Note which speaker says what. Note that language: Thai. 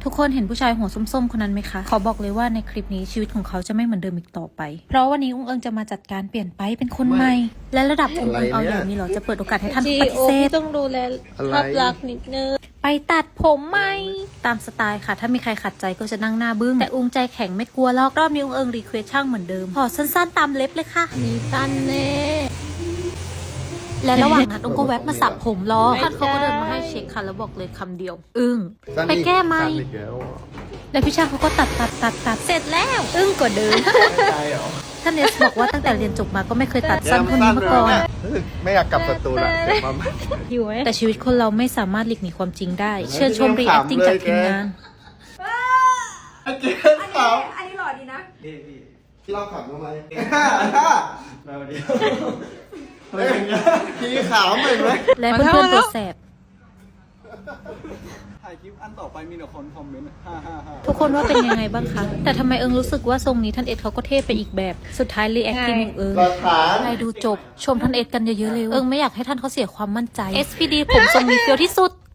Speaker 1: ทุกคนเห็นผู้ชายหัวส้มๆคนนั้นไหมคะขอบอกเลยว่าในคลิปนี้ชีวิตของเขาจะไม่เหมือนเดิมอีกต่อไปเพราะวันนี้อุ้งเอิงจะมาจัดการเปลี่ยนไปเป็นคนใหม่และระดับอุ้งเอิงเอาอย่างนี้เหรอจะเปิดโอกาสให้ท่านปฏิเสธ
Speaker 2: ต้องดูแลภาพลักษณ์นิดนึง
Speaker 1: ไปตัดผมไหมตามสไตล์ค่ะถ้ามีใครขัดใจก็จะนั่งหน้าบึ้งแต่อุ้งใจแข็งไม่กลัวหรอกรอบนี้อุ้งเอิงรีเควสช่างเหมือนเดิมขอสั้นๆตามเล็บเลยค่ะ
Speaker 2: มีสั้นแน่
Speaker 1: และระหว่างนั้นอุ้งก็แวะมาสับผมรอท่านเขาก็เดินมาให้เช็คค่ะแล้วบอกเลยคำเดียวอึ้งไปแก้ไหมแล้วพี่ช่างเขาก็ตัดเสร็จแล้วอึ้งกว่าเดิมท่านเนสบอกว่าตั้งแต่เรียนจบมาก็ไม่เคยตัดสั้นเท่านี้มาก่อน
Speaker 3: ไม่อยากกลับสตูละเดี๋ยวมา
Speaker 2: อยู่ไหม
Speaker 1: แต่ชีวิตคนเราไม่สามารถหลีกหนีความจริงได้เชิญชมรีแอคติ้งจากทีมงาน
Speaker 3: อันนี้หล่อดีนะพี่เราขับทำไมมาวันนี้พี่ขาวเหมือนไหม
Speaker 1: และเพื่อนๆตัวแสบ
Speaker 4: ถ่ายคลิปอันต่อไปมีแต่คนคอมเมนต์555
Speaker 1: ทุกคนว่าเป็นยังไงบ้างคะ แต่ทำไมเอิงรู้สึกว่าทรงนี้ท่านเอ็ดเขาก็เท่ไปอีกแบบ สุดท้ายรีแอคทีมของเอิง
Speaker 3: หลักฐาน
Speaker 1: ใครดูจบ ชมท่านเอ็ดกันเยอะๆเลย เอิงไม่อยากให้ท่านเขาเสียความมั่นใจ SPD ผมทรงนี้เฟี้ยวที่สุด